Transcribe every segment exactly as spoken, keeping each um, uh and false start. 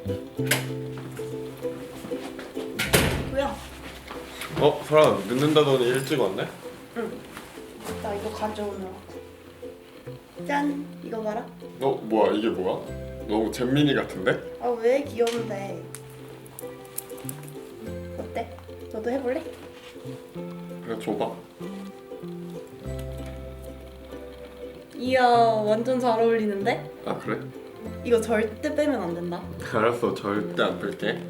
뭐야? 어? 설아 늦는다더니 일찍 왔네? 응. 나 이거 가져오느라고. 짠! 이거 봐라. 어? 뭐야 이게 뭐야? 너무 잼민이 같은데? 아 왜 귀여운데? 어때? 너도 해볼래? 그래 줘봐. 이야 완전 잘 어울리는데? 아 그래? 이거 절대 빼면 안 된다. 알았어 절대 안 뺄게.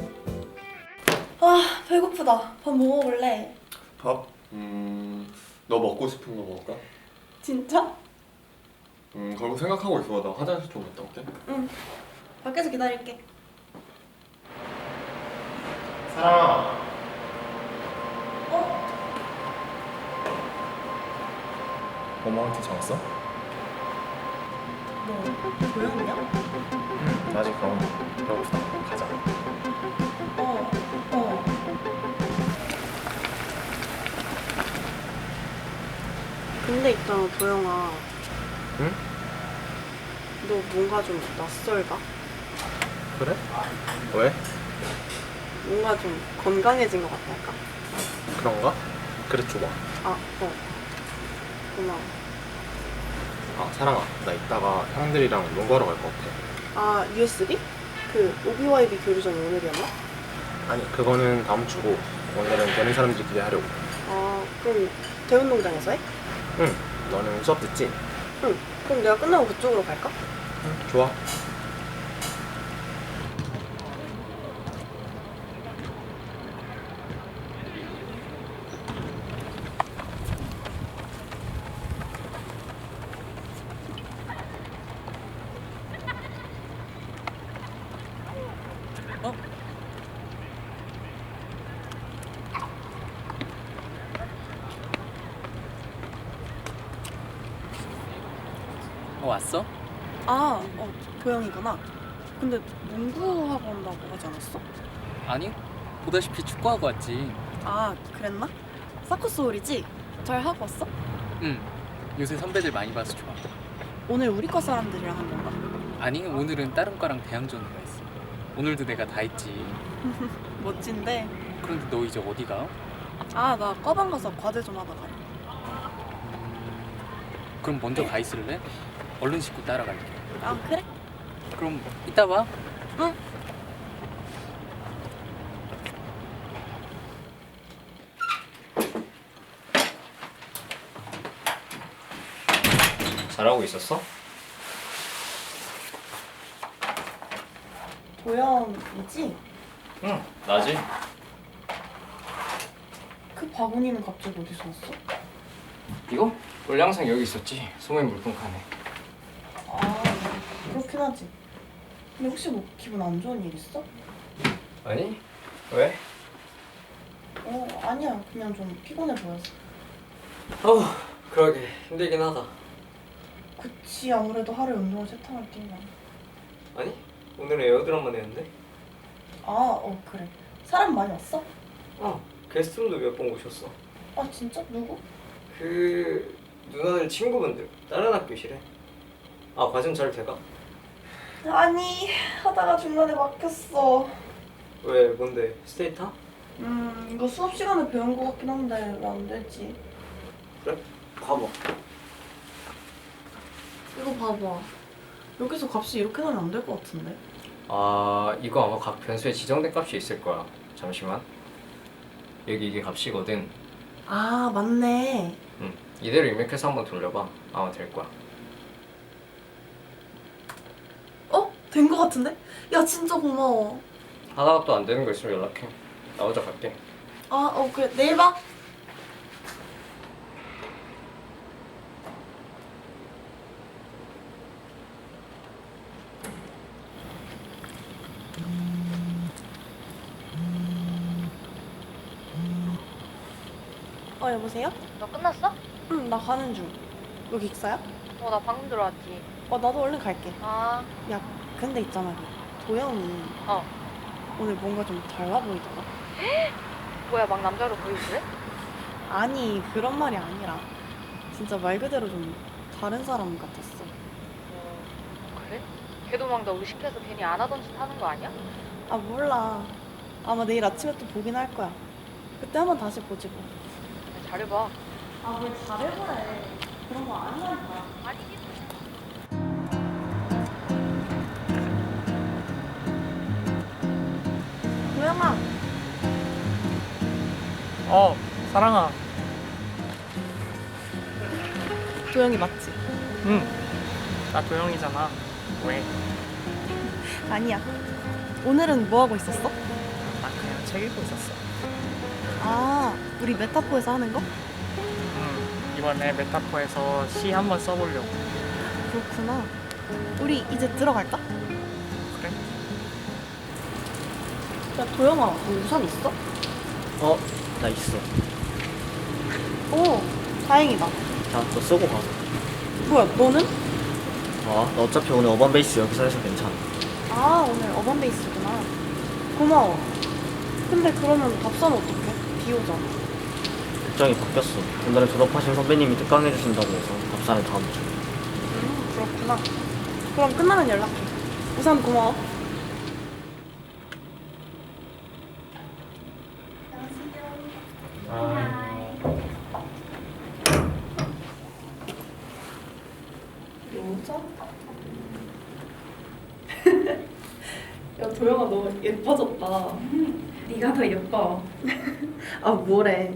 아 배고프다. 밥 뭐 먹을래? 밥? 음... 너 먹고 싶은 거 먹을까? 진짜? 음 그럼 생각하고 있어. 나 화장실 좀 갔다 올게. 응. 밖에서 기다릴게. 사랑아. 어? 엄마한테 전화했어? 너 조용히야? 응 아직 그럼 배고프다 가자. 어. 어. 근데 있잖아 도영아. 응? 너 뭔가 좀 낯설다? 그래? 왜? 뭔가 좀 건강해진 것 같달까? 그런가? 그래 줘봐. 아, 어. 고마워. 아 사랑아 나 이따가 형들이랑 농구하러 갈 것 같아. 아, 유에스비? 그 오비와이비 교류전이 오늘이었나? 아니 그거는 다음 주고 오늘은 되는 사람들끼리 하려고. 아, 그럼 대운동장에서 해? 응 너는 수업 듣지? 응. 그럼 내가 끝나고 그쪽으로 갈까? 응 좋아. 어 왔어? 아, 어, 도영이구나. 근데 농구하고 온다고 하지 않았어? 아니 보다시피 축구하고 왔지. 아, 그랬나? 사쿠스홀이지? 잘 하고 왔어? 응 요새 선배들 많이 봐서 좋아. 오늘 우리 과 사람들이랑 한 건가? 아니 오늘은 다른 과랑 대항전으로 했어. 오늘도 내가 다 했지. 멋진데. 그런데 너 이제 어디 가? 아, 나 과방 가서 과제 좀 하다가. 음, 그럼 먼저 가 있을래? 얼른 씻고 따라갈게. 아, 그래? 그럼 이따 봐. 응. 잘하고 있었어? 도영이지? 응 나지. 그 바구니는 갑자기 어디서 왔어? 이거? 원래 항상 여기 있었지. 소매 물통칸에. 아, 그렇긴 하지. 근데 혹시 뭐 기분 안 좋은 일 있어? 아니 왜? 어, 아니야. 그냥 좀 피곤해 보여서. 어, 그러게 힘들긴 하다. 그치, 아무래도 하루에 운동을 세 탕을 뛰면. 아니, 오늘은 에어드럼만 했는데. 아, 어, 그래. 사람 많이 왔어? 어, 게스트룸도 몇 번 오셨어. 아, 진짜? 누구? 그 누나들 친구분들 다른 학교시래. 아, 과정 잘 돼가? 아니, 하다가 중간에 막혔어. 왜 뭔데 스테이타? 음, 이거 수업 시간에 배운 거 같긴 한데 왜 안 되지? 그래? 가봐. 이거 봐봐. 여기서 값이 이렇게 나면 안 될 것 같은데? 아 이거 아마 각 변수에 지정된 값이 있을 거야. 잠시만. 여기 이게 값이거든. 아, 맞네. 응 이대로 입력해서 한번 돌려봐. 아마 될 거야. 어? 된 거 같은데? 야, 진짜 고마워. 하다가 또 안 되는 거 있으면 연락해. 나 혼자 갈게. 아, 어, 그래. 내일 봐. 어, 여보세요? 너 끝났어? 응, 나 가는 중. 여기 익사야? 어, 나 방금 들어왔지. 어, 나도 얼른 갈게. 아, 야, 근데 있잖아. 그 도영이 어. 오늘 뭔가 좀 달라 보이더라. 뭐야, 막 남자로 보이지? 아니, 그런 말이 아니라 진짜 말 그대로 좀 다른 사람 같았어. 어, 그래? 걔도 막 너 의식해서 괜히 안 하던 짓 하는 거 아니야? 아 몰라. 아마 내일 아침에 또 보긴 할 거야. 그때 한번 다시 보지 뭐. 잘해봐. 아 뭘 잘해보래. 그런 거 아니라니까. 아니긴. 도영아. 어, 사랑아. 도영이 맞지? 응. 나 도영이잖아. 왜? 아니야. 오늘은 뭐 하고 있었어? 나 그냥 책 읽고 있었어. 아 우리 메타포에서 하는 거? 응. 이번에 메타포에서 시 한번 써보려고. 그렇구나. 우리 이제 들어갈까? 그래? 야 도영아, 너 우산 있어? 어, 나 있어. 오, 다행이다. 자, 너 쓰고 가. 뭐야, 너는? 어, 너 어차피 오늘 어반 베이스 여기서 해서 괜찮아. 아, 오늘 어반베이스구나. 고마워. 근데 그러면 답사는 어떡해? 비 오잖아. 일정이 바뀌었어. 오늘은 졸업하신 선배님이 특강해 주신다고 해서 답사는 다음 주. 음, 그렇구나. 그럼 끝나면 연락해. 우산 고마워. 여자? 야 도영아 너 예뻐졌다. 네가 더 예뻐. 아 뭐래?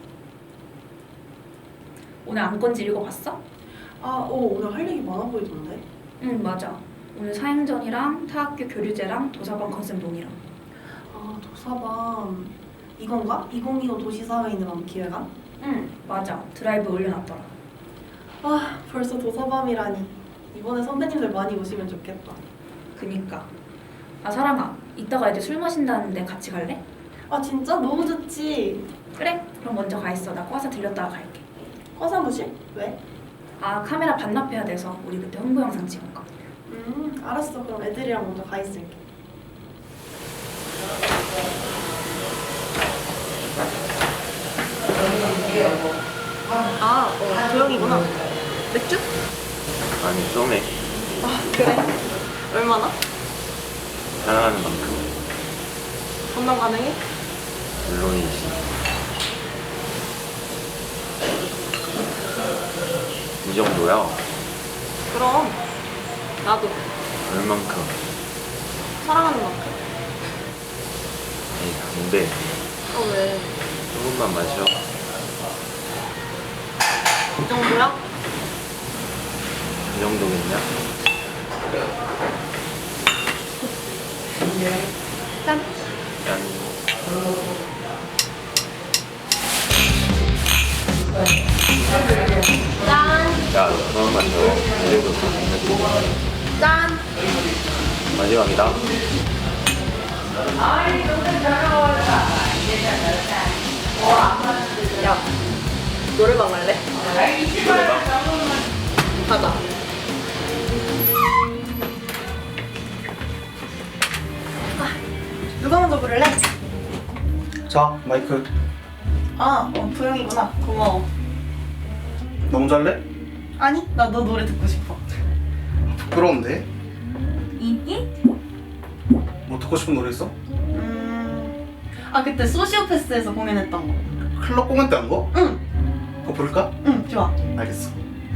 오늘 안건지 읽어봤어? 아, 오 오늘 할 얘기 많아 보이던데. 응 맞아. 오늘 사행전이랑 타학교 교류제랑 도서관 컨셉 논의랑. 아 도서관 이건가? 이천이십오 도시사회인을 위한 기획안? 응 맞아. 드라이브 올려놨더라. 아 벌써 도서밤이라니. 이번에 선배님들 많이 오시면 좋겠다. 그니까. 아 사랑아. 이따가 애들 술 마신다는데 같이 갈래? 아 진짜? 너무 좋지. 그래. 그럼 먼저 가 있어. 나 과사 들렸다가 갈게. 과사무실? 왜? 아 카메라 반납해야 돼서 우리 그때 홍보 영상 찍은 거. 음 알았어. 그럼 애들이랑 먼저 가 있을게. 아 어, 도영이구나. 맥주? 아니 썸에 아 그래? 얼마나? 사랑하는 만큼 건당 가능해? 물론이지. 이 정도야. 그럼 나도 얼만큼? 사랑하는 만큼. 에이 안돼. 어 왜? 조금만 마셔. 이 정도야? 이 정도겠냐? 짠. 짠. 짠. 야, 너 그만 마셔. 이래도 다 됐네. 짠. 마지막이다. 야 노래방 갈래? 노래방? 가자. 아, 누가 먼저 부를래? 자, 마이크. 아, 어, 도영이구나. 고마워. 너 먼저 할래? 아니, 나 너 노래 듣고 싶어. 부끄러운데? 이기? 뭐 듣고 싶은 노래 있어? 음, 아 그때 소시오패스에서 공연했던 거. 클럽 공연 때 한 거? 응, 그거 부를까? 응, 좋아. 알겠어.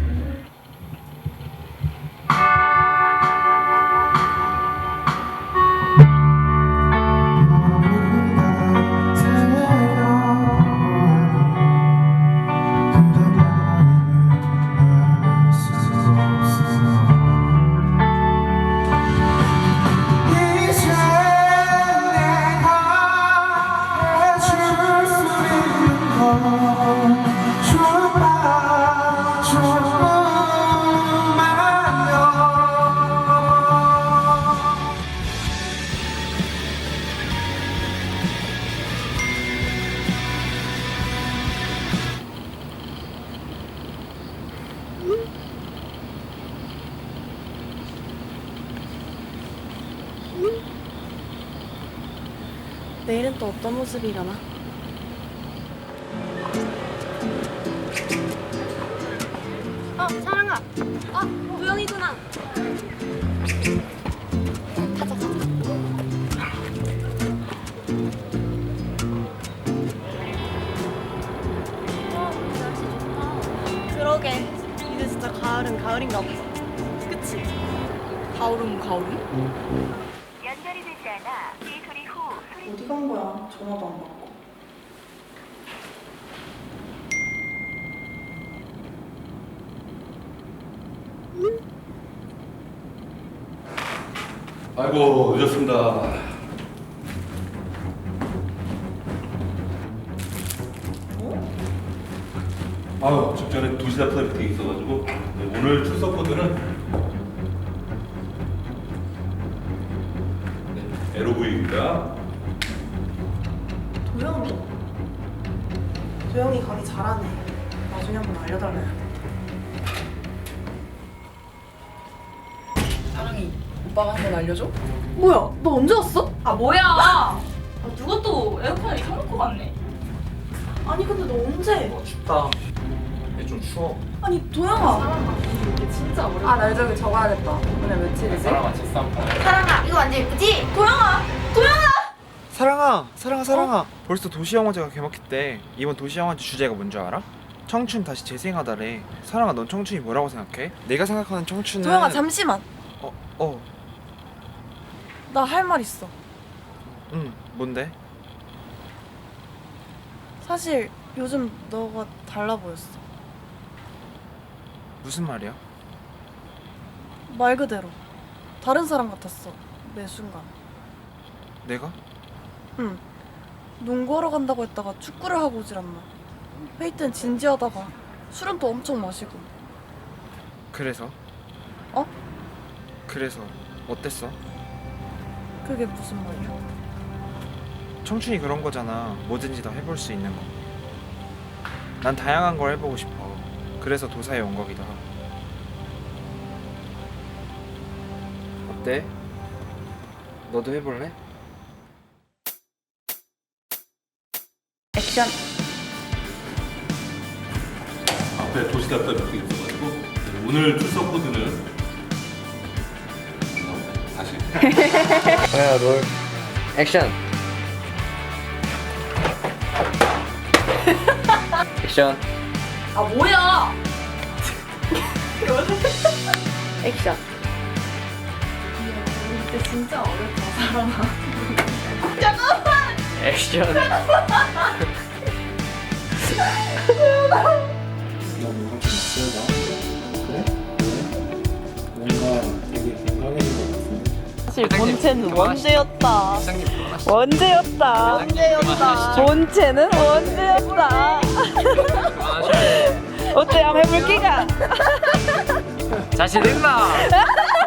내일은 또 어떤 모습이려나? 어, 사랑아. 어, 도영이구나. 계열인가 보다. 그치? 가오름 가오름? 연결이 되지 않아 이 소리 후 소리 어디 간 거야? 전화도 안 받고. 아이고 늦었습니다. 아유 직전에 두 시간 미팅이 있어가지고 네, 오늘 출석 코드는 네, 엘오브이입니다. 도영이? 도영이 강의 잘하네. 나중에 한번 알려달라야 돼. 사랑이 오빠가 한 번 알려줘? 뭐야? 너 언제 왔어? 아 뭐야? 아, 누가 또 에어컨을 켜놓고 갔네. 아니 근데 너 언제? 춥다. 근데 좀 추워. 아니 도영아. 이게 진짜 어렵다. 아, 날 저기 적어야겠다. 오늘 며칠이지? 사랑아 첫싸움. 사랑아 이거 완전 예쁘지? 도영아! 도영아! 사랑아, 사랑아, 사랑아. 벌써 도시영화제가 개막했대. 이번 도시영화제 주제가 뭔지 알아? 청춘 다시 재생하다래. 사랑아, 넌 청춘이 뭐라고 생각해? 내가 생각하는 청춘은 도영아 잠시만. 어, 어, 나 할 말 있어. 응, 뭔데? 사실 요즘 너가 달라 보였어. 무슨 말이야? 말 그대로 다른 사람 같았어. 매 순간. 내가? 응. 농구하러 간다고 했다가 축구를 하고 오질 않나. 회의 땐 진지하다가 술은 또 엄청 마시고. 그래서? 어? 그래서 어땠어? 그게 무슨 말이야? 청춘이 그런 거잖아. 뭐든지 다 해볼 수 있는 거. 난 다양한 걸 해보고 싶어. 그래서 도사에 온 거기도 하고. 어때? 너도 해볼래? 액션. 앞에 도시답다 미팅이 있어가지고 네, 오늘 출석 코드는 어, 다시 뭐야 롤. 액션. 액션. 아 뭐야? 액션. 이때 진짜 어렵다, 사랑아. 액션. 너 뭔가 좀 낯설다. 그래? 왜? 뭔가 되게 건강해진 것 같은데? 사실 본체는 원제였다. 사장님 그만하시죠. 원제였다. 원제였다. 본체는 원제였다. 그만하시죠. 어때? 한번 해볼기가? 자신 있나?